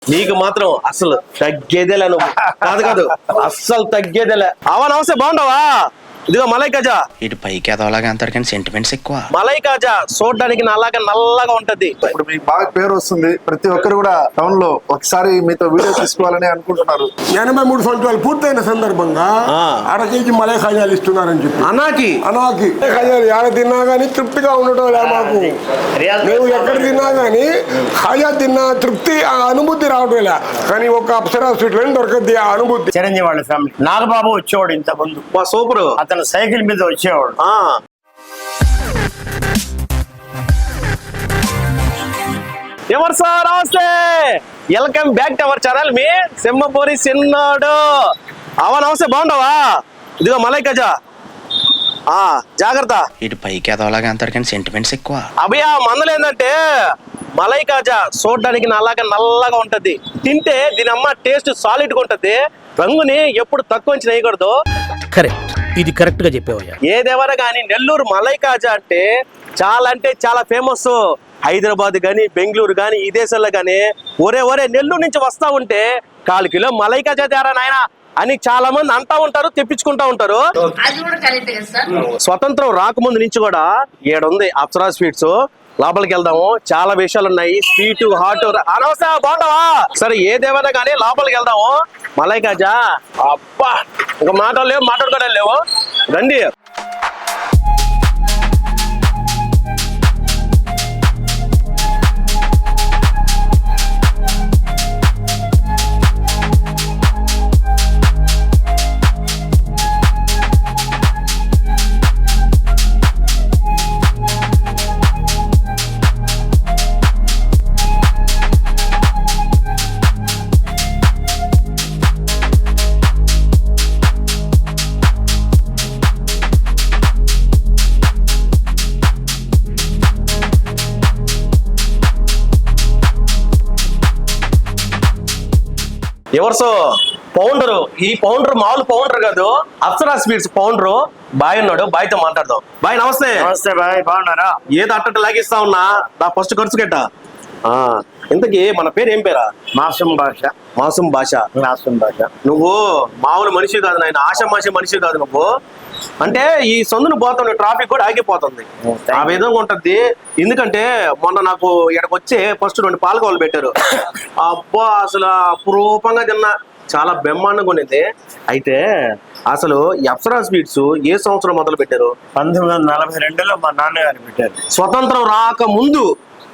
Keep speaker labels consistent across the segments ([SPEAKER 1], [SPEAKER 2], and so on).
[SPEAKER 1] నీకు మాత్రం అసలు తగ్గేదేలే నువ్వు. కాదు కాదు అస్సలు తగ్గేదేలే. అవా నమస్తే, బాగుండవా? ఇదిగో మలై కాజా.
[SPEAKER 2] ఇటు పైకి ఎదవలాగా అంటారు కానీ సెంటిమెంట్స్ ఎక్కువ.
[SPEAKER 1] మలై కాజా చూడడానికి నల్లగా ఉంటది.
[SPEAKER 3] ఇప్పుడు మీకు బాగా పేరు వస్తుంది, ప్రతి ఒక్కరు కూడా టౌన్ లో ఒకసారి మీతో వీడియో తీసుకోవాలని అనుకుంటున్నారు.
[SPEAKER 4] 83 సంవత్సరాలు పూర్తయిన సందర్భంగా అర కేజీ మలై ఖాజాలు ఇస్తున్నారని చెప్పి అనాకి ఖాజాలు ఆడ తిన్నా గానీ తృప్తిగా ఉండటం లే మాకు. మేము ఎక్కడ తిన్నా గానీ ఖాజా తిన్నా తృప్తి ఆ అనుభూతి రావడం లే. కానీ ఒక అప్సరా స్వీట్ లో దొరకద్ది ఆ అనుభూతి.
[SPEAKER 5] చిరంజీవి వాళ్ళ ఫ్యామిలీ నాగబాబు వచ్చేవాడు ఇంత ముందు.
[SPEAKER 1] సూపర్.
[SPEAKER 5] అతను సైకిల్ మీద వచ్చేవాడు.
[SPEAKER 1] ఎవరు సార్? నమస్తే, welcome back to our channel. మీ సింహపూరి చిన్నాడు. అవా నమస్తే, బాగుండవా? ఇదిగో మలై కాజా. జాగ్రత్త.
[SPEAKER 2] ఇటు పైకి ఎదవలాగా అంటారు కానీ సెంటిమెంట్స్ ఎక్కువ.
[SPEAKER 1] అభయ మందలు ఏంటంటే మలై కాజా చూడడానికి నల్లగా ఉంటది. తింటే దీని అమ్మ టేస్ట్ సాలిడ్ గా ఉంటది. రంగుని ఎప్పుడు తక్కువ అంచనా వేయకూడదు.
[SPEAKER 6] కరెక్ట్, ఇది కరెక్ట్ గా చెప్పేవయ్యా.
[SPEAKER 1] ఏదేవరా గానీ నెల్లూరు మలై కాజా అంటే చాలా ఫేమస్. హైదరాబాద్ గానీ బెంగళూరు గానీ ఈ దేశాల్లో గానీ ఒరే నెల్లూరు నుంచి వస్తా ఉంటే 4 కిలో మలై కాజా తేరా నాయన అని చాలా మంది అంటా ఉంటారు, తెప్పించుకుంటా ఉంటారు. స్వతంత్రం రాకముందు నుంచి కూడా ఏడుంది అప్సరా స్వీట్స్. లోపలికి వెళ్దాము, చాలా విషయాలు ఉన్నాయి. స్వీట్ హాట్ అనవసర బాగుంటావా? సరే ఏదేమైనా కానీ లోపలికి వెళ్దాము. మలై కాజా అబ్బా, ఇంకా మాట్లాడుకోవడం లేవు. రండి. ఎవరు పౌండరు? ఈ పౌండర్ మామూలు పౌండర్ కాదు, అప్సరా స్వీట్స్ పౌండరు. బాయ్ ఉన్నాడు, బాయ్తో మాట్లాడదాం. బాయ్ నమస్తే.
[SPEAKER 5] నమస్తే బాయ్, బాగున్నారా?
[SPEAKER 1] ఏదో అట్ట లాగిస్తా ఉన్నా, నా ఫస్ట్ ఖర్చు గట్ట. ఇంతకీ మన పేరు ఏం పేరా?
[SPEAKER 5] మాసూం భాష.
[SPEAKER 1] నువ్వు మామూలు మనిషి కాదు నాయన, ఆషామాషి మనిషి కాదు నువ్వు. అంటే ఈ సందును పోతుంది, ట్రాఫిక్ కూడా ఆగిపోతుంది. ఆ విధంగా ఉంటది. ఎందుకంటే మొన్న నాకు ఇక్కడికి వచ్చి ఫస్ట్ 2 పాలకోవాలు పెట్టారు. అబ్బా అసలు అపురూపంగా తిన్నా, చాలా బ్రహ్మాండంగా ఉండేది. అయితే అసలు ఈ అప్సరా స్వీట్స్ ఏ సంవత్సరం మొదలు పెట్టారు?
[SPEAKER 5] 1942లో మా నాన్నగారు పెట్టారు.
[SPEAKER 1] స్వతంత్రం రాక ముందు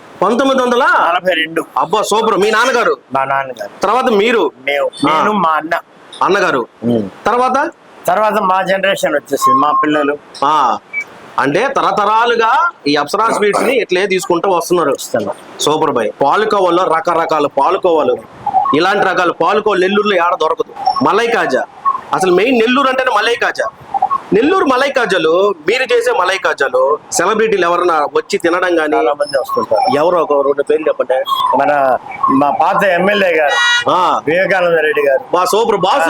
[SPEAKER 5] 1942.
[SPEAKER 1] అబ్బా సూపర్. మీ నాన్నగారు?
[SPEAKER 5] మా నాన్నగారు.
[SPEAKER 1] తర్వాత మీరు?
[SPEAKER 5] నేను మా
[SPEAKER 1] అన్నగారు.
[SPEAKER 5] తర్వాత మా జనరేషన్ వచ్చేసింది, మా పిల్లలు.
[SPEAKER 1] అంటే తరతరాలుగా ఈ అప్సరా స్వీట్స్ ని ఇట్లే తీసుకుంటూ వస్తున్నారు. Super boy. పాలకోవాలో రకరకాల పాలకోవాలు, ఇలాంటి రకాల పాలకోవాలు నెల్లూరులో ఏడ దొరకదు. మలై కాజా అసలు మెయిన్ నెల్లూరు అంటేనే మలై కాజా. నెల్లూరు మలై కాజాలు, మీరు చేసే మలై కాజాలు సెలబ్రిటీలు ఎవరన్నా వచ్చి తినడం గానీ?
[SPEAKER 5] చాలా మంది వస్తుంటారు.
[SPEAKER 1] ఎవరో ఒక 2 పేర్లు చెప్పండి.
[SPEAKER 5] మా పాత ఎమ్మెల్యే గారు వివేకానంద రెడ్డి గారు.
[SPEAKER 1] మా సూపర్ బాస్.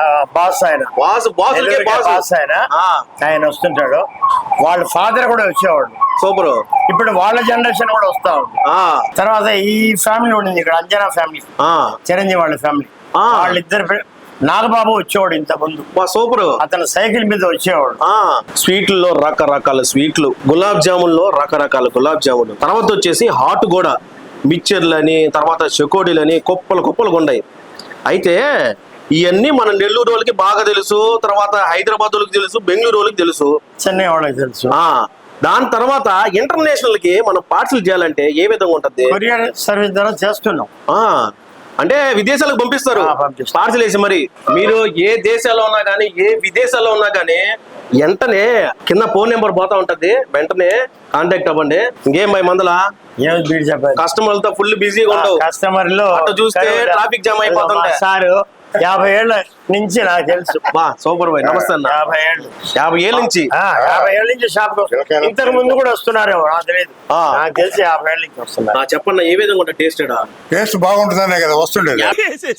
[SPEAKER 5] ఆయన వస్తుంటాడు. వాళ్ళ ఫాదర్ కూడా వచ్చేవాడు.
[SPEAKER 1] సూపర్.
[SPEAKER 5] ఇప్పుడు వాళ్ళ జనరేషన్ కూడా వస్తా ఉంది. తర్వాత ఈ ఫ్యామిలీ ఉండింది ఇక్కడ, అంజనా ఫ్యామిలీ, చిరంజీవి వాళ్ళ ఫ్యామిలీ. వాళ్ళిద్దరు నాగబాబు వచ్చేవాడు ఇంత ముందు.
[SPEAKER 1] సూపర్.
[SPEAKER 5] అతను సైకిల్ మీద వచ్చేవాడు.
[SPEAKER 1] స్వీట్లలో రకరకాల స్వీట్లు, గులాబ్ జామున్లో రకరకాల గులాబ్ జాములు, తర్వాత వచ్చేసి హాట్ కూడా మిక్చర్లని, తర్వాత చెకోడీలని కుప్పలు ఉన్నాయి. అయితే ఇవన్నీ మన నెల్లూరు వాళ్ళకి బాగా తెలుసు, తర్వాత హైదరాబాద్ వాళ్ళకి తెలుసు, బెంగళూరు వాళ్ళకి తెలుసు,
[SPEAKER 5] చెన్నై వాళ్ళకి తెలుసు.
[SPEAKER 1] దాని తర్వాత ఇంటర్నేషనల్ కి మనం పార్సల్ చేయాలంటే ఏ విధంగా ఉంటది?
[SPEAKER 5] కొరియర్ సర్వీస్ ద్వారా చేస్తున్నాం.
[SPEAKER 1] అంటే విదేశాలకు పంపిస్తారు పార్సల్ వేసి. మరి మీరు ఏ దేశాల్లో ఉన్నా కానీ, ఏ విదేశాల్లో ఉన్నా కానీ వెంటనే కింద ఫోన్ నెంబర్ పోతా ఉంటది, వెంటనే కాంటాక్ట్ అవ్వండి. ఇంకేం భయ మందలా కస్టమర్లతో ఫుల్ బిజీగా ఉండవు.
[SPEAKER 5] కస్టమర్లు
[SPEAKER 1] చూస్తే ట్రాఫిక్ జామ్ అయిపోతుంటాయి.
[SPEAKER 5] సార్ 50 ఏళ్ళ నుంచి నాకు తెలుసు.
[SPEAKER 1] సూపర్ బాయ్, నమస్తే అన్న. 50 ఏళ్ళ నుంచి
[SPEAKER 5] 50 ఏళ్ళ నుంచి షాప్ ఇంతకు ముందు కూడా వస్తున్నారేమో నాకు తెలియదు. నాకు తెలిసి 50 ఏళ్ళ నుంచి వస్తున్నారు.
[SPEAKER 1] చెప్పండి ఏ విధంగా ఉంటుంది టేస్ట్?
[SPEAKER 4] టేస్ట్ బాగుంటుందనే కదా వస్తుండేది.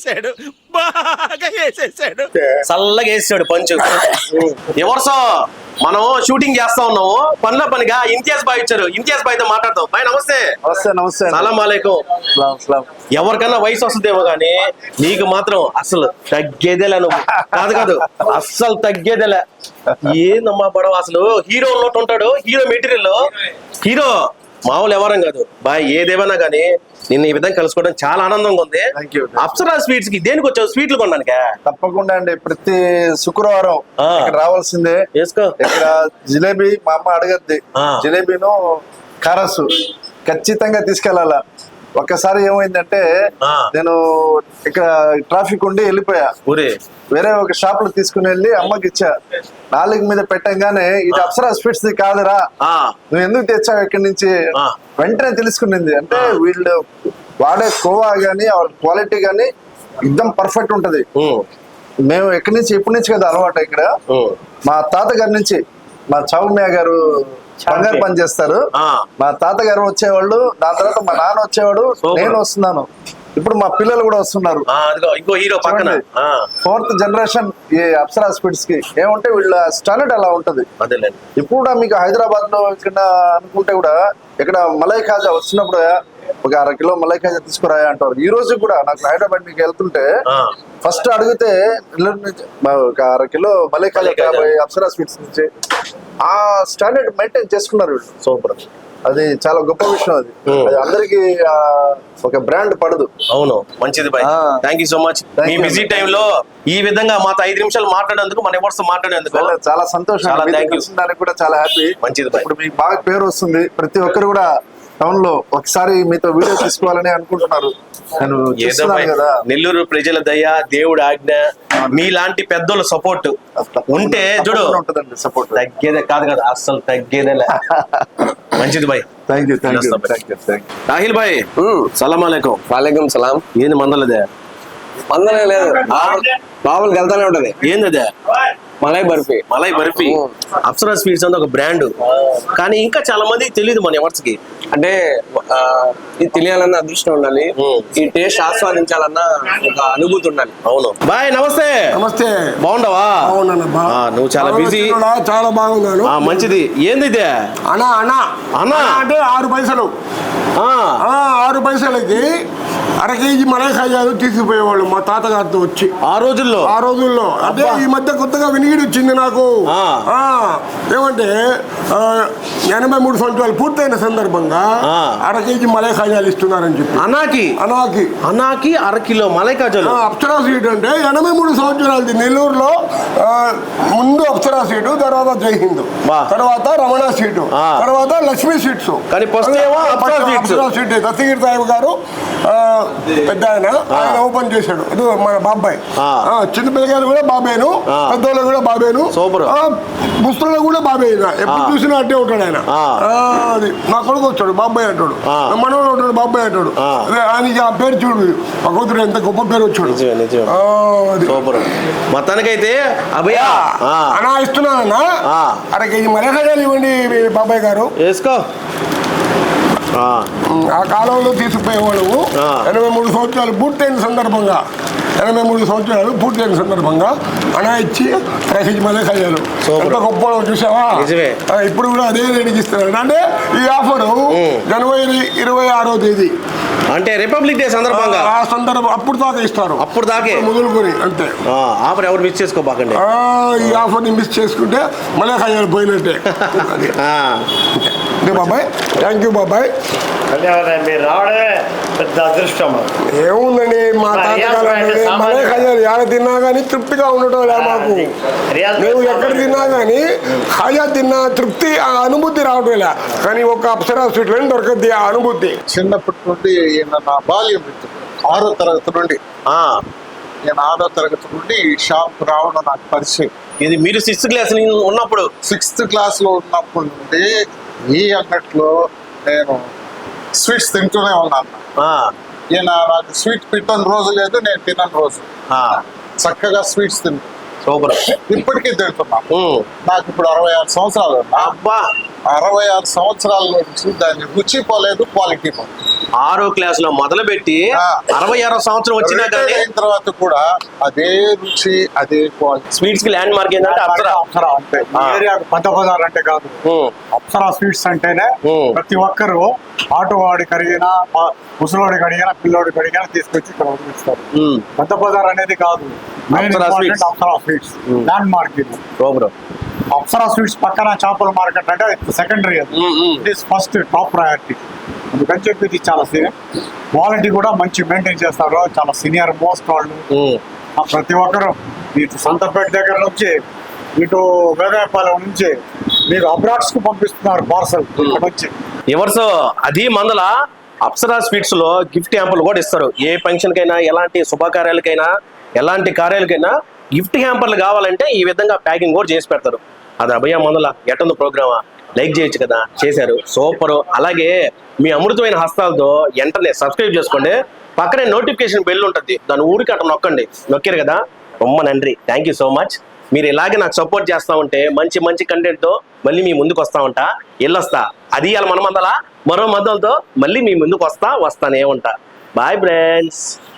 [SPEAKER 1] చల్లగా వేసాడు పంచు. ఎవరు మనం షూటింగ్ చేస్తా ఉన్నాము, పనిలో పనిగా ఇంతియాజ్ బాయ్ వచ్చారు. ఇంతియాజ్ బాయ్ తో మాట్లాడతాం. బాయ్ నమస్తే.
[SPEAKER 3] నమస్తే
[SPEAKER 1] సలాం అలైకుం. ఎవరికన్నా వయసు వస్తుందేమో గానీ నీకు మాత్రం అసలు తగ్గేదేలే. నువ్వు కాదు అస్సలు తగ్గేదేలే. ఏందమ్మా పడవ అసలు. హీరో ఉన్నట్టు ఉంటాడు, హీరో మెటీరియల్. హీరో మామూలు ఎవరం కాదు బాయ్. ఏదేమన్నా గానీ నిన్న ఈ విధంగా కలుసుకోవడం చాలా ఆనందంగా ఉంది. అప్సరా స్వీట్స్ కి దేనికి వచ్చావు? స్వీట్లు కొనడానికా?
[SPEAKER 3] తప్పకుండా అండి. ప్రతి శుక్రవారం ఇక్కడ రావాల్సిందే.
[SPEAKER 1] వేసుకో.
[SPEAKER 3] ఇక్కడ జిలేబీ మా అమ్మ అడగద్ది. జిలేబీను కారసు ఖచ్చితంగా తీసుకెళ్లాలా. ఒక్కసారి ఏమైందంటే నేను ఇక్కడ ట్రాఫిక్ ఉండి వెళ్ళిపోయా. వేరే ఒక షాప్ లో తీసుకుని వెళ్ళి అమ్మకి ఇచ్చా. నాలుగు మీద పెట్టంగానే ఇది అప్సరా స్వీట్స్ ది కాదురా, నువ్వు ఎందుకు తెచ్చావు ఇక్కడి నుంచి వెంటనే తెలుసుకునింది. అంటే వీళ్ళు వాడే కోవా గానీ క్వాలిటీ గానీ ఎక్దమ్ పర్ఫెక్ట్ ఉంటది. మేము ఎక్కడి నుంచి ఎప్పటి నుంచి కదా అలవాటు. ఇక్కడ మా తాతగారి నుంచి మా చౌమ్య గారు బంగారు పని చేస్తారు. మా తాతగారు వచ్చేవాళ్ళు, దాని తర్వాత మా నాన్న వచ్చేవాడు, నేను వస్తున్నాను, ఇప్పుడు మా పిల్లలు కూడా వస్తున్నారు.
[SPEAKER 1] ఇంకో హీరో పక్కన
[SPEAKER 3] 4th జనరేషన్ ఈ అప్సరా స్వీట్స్ కి. ఏమంటే వీళ్ళ స్టాండర్డ్ అలా ఉంటది. ఇప్పుడు కూడా మీకు హైదరాబాద్ లో ఇక్కడ అనుకుంటే కూడా ఇక్కడ మలై ఖాజా వచ్చినప్పుడు ఒక 1/2 కిలో మలై ఖాజా తీసుకురాయా అంటారు. ఈ రోజు కూడా నాకు హైదరాబాద్ మీకు వెళ్తుంటే ఫస్ట్ అడిగితే ఒక 1/2 కిలో మలై ఖాజా అప్సరా స్వీట్స్ నుంచి. ఆ స్టాండర్డ్ మెయింటైన్ చేసుకున్నారు వీళ్ళు.
[SPEAKER 1] సూపర్.
[SPEAKER 3] అది చాలా గొప్ప విషయం. అది అందరికి ఒక బ్రాండ్ పడదు.
[SPEAKER 1] అవును, మంచిది bye. Thank you so much. మీ బిజీ టైమ్ లో ఈ విధంగా మాతో 5 నిమిషాలు మాట్లాడేందుకు, మన ఎవరితో మాట్లాడేందుకు
[SPEAKER 3] చాలా సంతోషం. దానికి కూడా చాలా హ్యాపీ.
[SPEAKER 1] మంచిది బాయ్.
[SPEAKER 3] ఇప్పుడు మీకు బాగా పేరు వస్తుంది. ప్రతి ఒక్కరు కూడా టౌన్ లో ఒకసారి మీతో వీడియో తీసుకోవాలని అనుకుంటున్నారు. నేను కదా,
[SPEAKER 1] నెల్లూరు ప్రజల దయ, దేవుడి ఆజ్ఞ, మీలాంటి పెద్దోళ్ళ సపోర్ట్ ఉంటే చూడు
[SPEAKER 3] ఉంటదండి. సపోర్ట్
[SPEAKER 1] తగ్గేదే కాదు అస్సలు తగ్గేదేలే. మంచిది బాయ్.
[SPEAKER 3] Thank you.
[SPEAKER 1] రాహిల్ బాయ్ సలాం అలైకుం.
[SPEAKER 7] వాలేకుం సలాం.
[SPEAKER 1] ఏంది మందలదే?
[SPEAKER 7] మందలే లేదు, బాబులకి వెళ్తానే ఉంటది.
[SPEAKER 1] ఏంది అదే?
[SPEAKER 7] మలై బర్ఫీ.
[SPEAKER 1] మలై బర్ఫీ. అప్సరా స్వీట్స్ అంటే ఒక బ్రాండ్, కానీ ఇంకా చాలా మందికి తెలియదు మన ఎవర్స్ కి.
[SPEAKER 7] అంటే ఇది తెలియాలన్న అదృష్టం ఉండాలి, ఈ టేస్ట్ ఆస్వాదించాలన్న ఒక అనుభూతి ఉండాలి.
[SPEAKER 1] అవును బాయ్. నమస్తే.
[SPEAKER 4] నమస్తే.
[SPEAKER 1] బాగుండవా? నువ్వు చాలా బిజీ.
[SPEAKER 4] చాలా బాగున్నాను.
[SPEAKER 1] మంచిది. ఏంది ఇదే?
[SPEAKER 4] అనా అనా
[SPEAKER 1] అనా
[SPEAKER 4] అంటే 6 పైసలు. 6 పైసలకి 1/2 కేజీ మలై ఖాజాలు తీసుకుపోయేవాళ్ళు మా తాతగారితో వచ్చి. ఆ రోజుల్లో అంటే ఈ మధ్య కొత్తగా వినిగిడి వచ్చింది నాకు. ఏమంటే 83 సంవత్సరాలు పూర్తయిన సందర్భంగా 1/2 కేజీ మలై ఖాజాలు ఇస్తున్నారని చెప్పి. అనాకి
[SPEAKER 1] 1/2 కిలో మలై ఖాజాలు.
[SPEAKER 4] అప్సరా స్వీట్ అంటే 83 సంవత్సరాలది. నెల్లూరులో ముందు అప్సరా స్వీట్, తర్వాత జై హింద్, తర్వాత రమణ స్వీట్, తర్వాత లక్ష్మీ స్వీట్స్. అప్సరా స్వీట్ దస్తగిరి సాహిబ్ గారు పెద్ద ఆయన ఓపెన్ చేశాడు. అది మన బాబాయ్. చిన్న పిల్లగారు కూడా బాబాయ్ను, పెద్దోళ్ళు కూడా బాబాయ్ను, ముస్తులు కూడా బాబాయ్. ఎప్పుడు చూసినా అట్టే ఉంటాడు ఆయన. అది నా కొడుకు వచ్చాడు బాబాయ్ అంటాడు, మనోడు ఉంటాడు బాబాయ్ అంటాడు. ఆయనకి ఆ పేరు చూడు, మా కూతురు ఎంత గొప్ప పేరు వచ్చాడు.
[SPEAKER 1] మొత్తానికైతే
[SPEAKER 4] అన్నా ఇస్తున్నానన్నా 1/2 కేజీ మలై ఖాజాలు ఇవ్వండి బాబాయ్ గారు.
[SPEAKER 1] వేసుకో.
[SPEAKER 4] ఆ కాలంలో తీసుకుపోయేవాళ్ళు 83 సంవత్సరాలు పూర్తయిన సందర్భంగా, 83 సంవత్సరాలు పూర్తయిన సందర్భంగా అనా ఇచ్చి 1/2 కేజీ మలై ఖాజాలు. ఎంత గొప్ప చూసావా? ఇప్పుడు కూడా అదే రేటుకి ఇస్తున్నారు. అంటే ఈ ఆఫర్ జనవరి 26వ తేదీ
[SPEAKER 1] అంటే రిపబ్లిక్ డే సందర్భంగా
[SPEAKER 4] ఆ సందర్భం అప్పుడు దాకా ఇస్తారు.
[SPEAKER 1] అప్పుడు దాకే
[SPEAKER 4] మొదలుకొని అంతే.
[SPEAKER 1] ఆఫర్ ఎవరు మిస్ చేసుకోబాకండి.
[SPEAKER 4] ఈ ఆఫర్ ని మిస్ చేసుకుంటే మలై ఖాజాలు పోయినట్టే. బాబాయ్ థ్యాంక్ యూ బాబాయ్.
[SPEAKER 5] మీరు రావడమే పెద్ద అదృష్టం.
[SPEAKER 4] ఏముందండి మా తాతగారు మలై ఖాజాలు ఎక్కడ తిన్నా కానీ తృప్తిగా ఉండటం లే మాకు. మేము ఎక్కడ తిన్నా కానీ ఖాజా తిన్నా తృప్తి, ఆ అనుభూతి రావటం లే. కానీ ఒక అప్సరా స్వీట్లో దొరకద్ది ఆ అనుభూతి.
[SPEAKER 3] చిన్నప్పటి నుండి నా బాల్యం 6వ తరగతి నుండి నేను 6వ తరగతి నుండి ఈ షాప్ రావడం నాకు పరిచయం.
[SPEAKER 1] ఇది మీరు 6th క్లాస్ ఉన్నప్పుడు?
[SPEAKER 3] 6th క్లాస్ లో ఉన్నప్పటి నుండి ఈ అంగట్లో నేను స్వీట్స్ తింటూనే ఉన్నాను. ఈయన నాకు స్వీట్ పెట్టని రోజు లేదు, నేను తినని రోజు. చక్కగా స్వీట్స్ తింటాను. ఇప్పటికీ తింటున్నాను. నాకు ఇప్పుడు 66 సంవత్సరాలు.
[SPEAKER 1] అబ్బా
[SPEAKER 8] 66 సంవత్సరాల నుంచి దాని రుచి పోలేదు, క్వాలిటీ పోలేదు.
[SPEAKER 1] 6వ క్లాసులో మొదలు పెట్టి 66వ సంవత్సరం వచ్చినా కానీ
[SPEAKER 8] రిటైర్ అయిన తర్వాత కూడా అదే రుచి, అదే క్వాలిటీ.
[SPEAKER 1] స్వీట్స్ కి ల్యాండ్ మార్క్ ఏంటంటే అప్సరా.
[SPEAKER 9] అప్సరా అంటే ఏరియాకు పెద్ద బజార్ అంటే కాదు, అప్సరా స్వీట్స్ అంటేనే ప్రతి ఒక్కరు ఆటో వాడికి అడిగినా, ముసలోడికి అడిగినా, పిల్లోడికి అడిగినా తీసుకొచ్చి ఇక్కడ వదిలిస్తారు. పెద్ద బజార్ అనేది కాదు, main
[SPEAKER 1] Apsara
[SPEAKER 9] important
[SPEAKER 1] sweets.
[SPEAKER 9] Apsara sweets landmark ఇది.
[SPEAKER 1] బ్రో
[SPEAKER 9] అప్సరా స్వీట్స్ పక్కన చేపల మార్కెట్ అంటే సెకండరీ, అది it is first top priority. అందుకని చెప్పి ఇది చాలా క్వాలిటీ కూడా మంచి మెయింటైన్ చేస్తారు, చాలా సీనియర్ మోస్ట్ వాళ్ళు. ప్రతి ఒక్కరు ఇటు సంతపేట దగ్గర నుంచి ఇటు వేదాయపాలెం నుంచి మీకు అబ్రాడ్స్ కు పంపిస్తున్నారు పార్సల్ ఇక్కడ వచ్చి.
[SPEAKER 1] ఎవరిసో అది మందల అప్సరా స్వీట్స్ లో గిఫ్ట్ హ్యాంపర్లు కూడా ఇస్తారు. ఏ ఫంక్షన్ కైనా, ఎలాంటి శుభకార్యాలకైనా, ఎలాంటి కార్యాలకైనా గిఫ్ట్ హ్యాంపర్లు కావాలంటే ఈ విధంగా ప్యాకింగ్ కూడా చేసి పెడతారు. అది అభయ మందల ఎట్టంది ప్రోగ్రామా, లైక్ చేయొచ్చు కదా, చేశారు, సూపర్. అలాగే మీ అమృతమైన హస్తాలతో వెంటనే సబ్స్క్రైబ్ చేసుకోండి, పక్కనే నోటిఫికేషన్ బెల్ ఉంటుంది, దాని ఊరికి అట్లా నొక్కండి. నొక్కారు కదా, రొమ్మ నండ్రి, థ్యాంక్ యూ సో మచ్. మీరు ఇలాగే నాకు సపోర్ట్ చేస్తా ఉంటే మంచి మంచి కంటెంట్తో మళ్ళీ మీ ముందుకు వస్తా ఉంటా, వెళ్ళొస్తా. అది ఇవాళ మన మందల మరో మందలతో మళ్ళీ మీ ముందుకు వస్తానే ఉంటా. Bye friends.